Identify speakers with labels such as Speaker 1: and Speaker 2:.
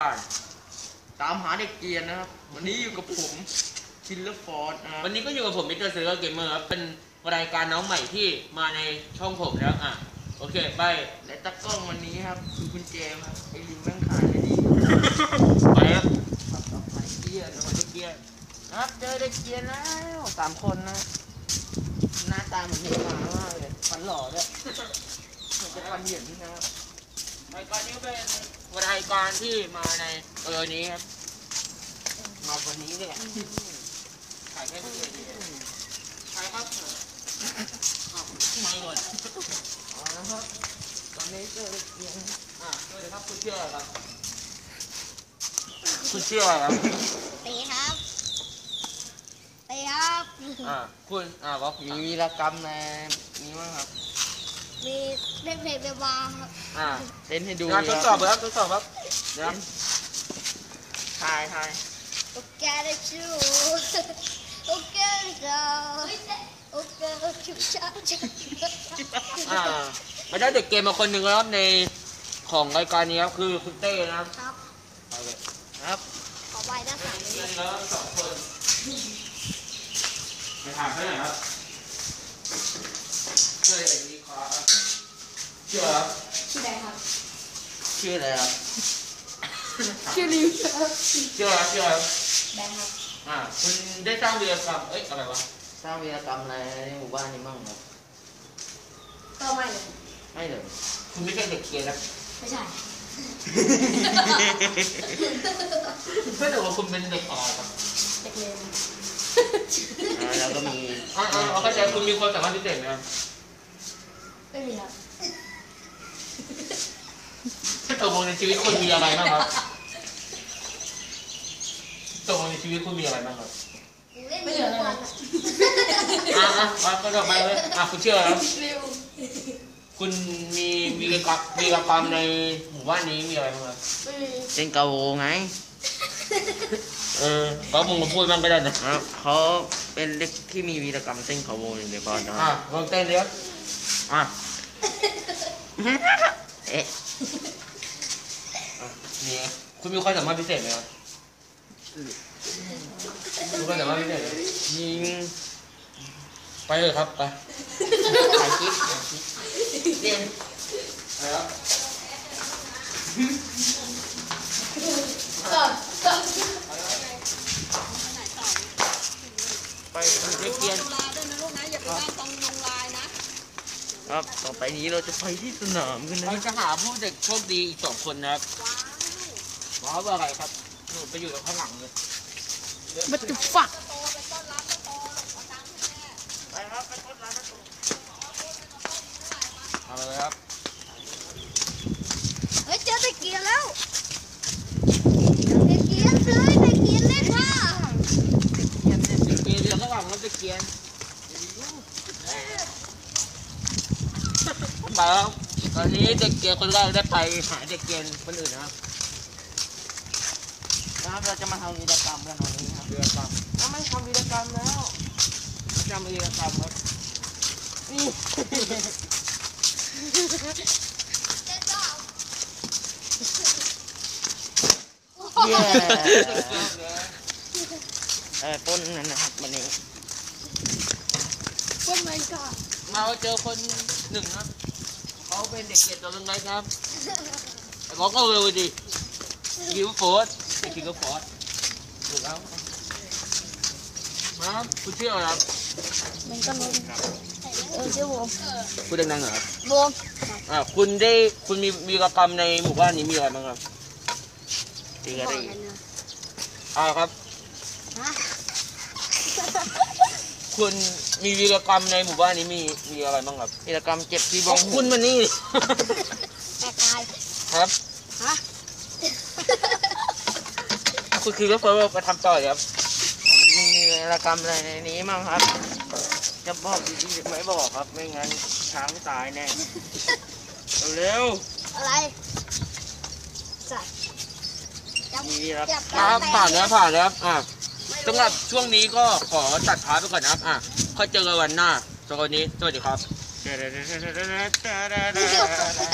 Speaker 1: ตามหาเด็กเกรียนนะครับวันนี้อยู่กับผมคิลเลอร์ฟอร์ดนะครับ
Speaker 2: วันนี้ก็อยู่กับผมมิสเตอร์เซอร์เกมเมอร์ครับเป็นรายการน้องใหม่ที่มาในช่องผมแล้วโอเคไป
Speaker 1: และตากล้องวันนี้ครับคือคุณเจมครับไอลิมแม่งขายเลยดี
Speaker 2: ไปครับ
Speaker 1: ไปเกียร์นะเด็กเกียร์ครับเจอเด็กเกียร์แล้ว3 คนนะหน้าตาเหมือนเห็นหมามากเลยฟันหล่อด้วยเหมือนจะฟันเหยินนะครับ
Speaker 2: รายการนี้เป็นรายการที่มาในนี้ครับ
Speaker 1: มาวันนี้เนี่ย
Speaker 2: ถ่ายแค่ไม่เลยถ่ายครับไม่หมด
Speaker 1: นะครับตอนนี้เจอเด็กเกียร์
Speaker 2: สวัสดีครับคุณเชื่อครับคุณเชื่อครับ
Speaker 3: ตีครับตีครับ
Speaker 2: คุณบอก
Speaker 1: มีวีรกรรมในนี้มั้งครับ
Speaker 3: มีเล่นเพลงเบลบาครับ
Speaker 1: เต้นให้ดู
Speaker 2: ทดสอบครับทดสอบครับเดี๋ยว
Speaker 1: ถ่าย
Speaker 3: โอเคได้ชูโอเคจ้าโอเคชุบชับ
Speaker 2: มาได้เด็กเกมมาคนหนึ่งแล้วในของรายการนี้ครับคือคุณเต้นะครับ
Speaker 1: ครับ
Speaker 3: ขอใบด้านหลัง
Speaker 2: นี้แล้ว2 คนไปถามเขาหน่อยครับเชื่ออย่างนี้ครับเชื่อครับ
Speaker 3: ชื่ออะไรครับ
Speaker 1: ชื่ออะไรครับ
Speaker 3: ชื่อลิวครับ
Speaker 2: เชื่อครับ
Speaker 3: แบงค์ครับ
Speaker 2: คุณได้สร้างวีรกรรมอะไรวะ
Speaker 1: สร้างวีรกรรมอะไรในหมู่บ้านนี้มั่งครับ
Speaker 3: ก็ไม่
Speaker 1: เลย
Speaker 2: คุณไม่ใช่เด็กเกมนะ
Speaker 3: ไม่ใช่
Speaker 2: ไม่แต่ว่าคุณเป็นเด็กอ่อนครับ
Speaker 3: เด็กเรียน
Speaker 1: แล้วก็มี
Speaker 2: เข้าใจคุณมีความสามารถพิเศษไหมครับ
Speaker 3: ไม่มีครับ
Speaker 2: ตกลงในชีวิตคุณมีอะไรบ้างครับตกลงในชีวิตคุณมีอะไรบ้างครับ
Speaker 3: ไม่เหลืออะไร
Speaker 2: ก็ต่อไปเลยคุณเชื่อครับคุณมีวีรกรรมในหมู่บ้านนี้มีอะไรบ้างครับ
Speaker 1: เต้นกาโวไง
Speaker 2: ก็มึงมาพูดบ้างก็ได้นะ
Speaker 1: เขาเป็นเด็กที่มีวีรกรรมเต้นกาโวอยู่ในบ้านนะ
Speaker 2: ลองเต้นเดี๋ยวนี่คุณมีความสามารถพิเศษไหมครับคุณก็สามารถพิเศษ
Speaker 1: ยิง
Speaker 2: ไปเลยครับไป
Speaker 1: ถ่ายคลิป
Speaker 2: เต้นอะไรครับ
Speaker 1: ไปเด็กเกียนครับต่อไปนี้เราจะไปที่สนามกันนะ
Speaker 2: เราจะหาผู้เด็กโชคดีอีก2 คนนะครับว้าวอะไรครับหนูไปอยู่ข้างหลังเลย
Speaker 1: มันจะฝักไปครับไปต้นร้าน
Speaker 2: เอาเลยครับ
Speaker 3: เฮ้ยเจอตะเกียร์แล้วตะเกียร์เลยตะเกียร์เล่นค่ะ
Speaker 2: เดี๋ยวข้างหลังมันจะเกียนมาแล้วตอนนี้เด็กเกียร์คนแรกได้ไปหาเด็กเกียร์คนอื่นนะครับ
Speaker 1: เราจะมาทำวีรกรรมกันวันนี้ครับ
Speaker 2: วีรกรรม
Speaker 1: ไม่ทำวีรกรรมแล้ว
Speaker 2: จำวีรกรรมครับ
Speaker 1: นี่ต้นนั่นนะครับวันนี้
Speaker 3: ต้นไม้ก่อน
Speaker 2: มาเจอคนหนึ่งครับเขาเป็นเด็กเกียรตัวเล็กๆครับเขาก็เร็วดีคิวโฟร์คิวโฟร์ถูกแล้วมาคุณชื่ออะไรครับ
Speaker 3: มันก็รู้ชื่อวง
Speaker 2: คุณดังๆเหรอครับ
Speaker 3: วง
Speaker 2: คุณมีวีรกรรมในหมู่บ้านนี้มีอะไรบ้างครับ
Speaker 1: ตีกันได้
Speaker 2: ครับคุณมีวีรกรรมในหมู่บ้านนี้มีอะไรบ้างครับ
Speaker 1: วีรกรรมเจ็บที่บ้อง
Speaker 2: คุณมานี่
Speaker 3: แม่ตาย
Speaker 2: ครับคุณคือก็เฟิร์สไปทำต่อครับ
Speaker 1: มีวีรกรรมอะไรในนี้มั้งครับจะบอกดีๆไม่บอกครับไม่งั้นช้างตายแน่เร็ว
Speaker 3: อะไรจัด
Speaker 1: มีวีรกรรม
Speaker 2: ผ่านแล้วสำหรับช่วงนี้ก็ขอตัดพาร์ทไปก่อนนะครับค่อยเจอกันวันหน้าสำหรับวันนี้สวัสดีครับ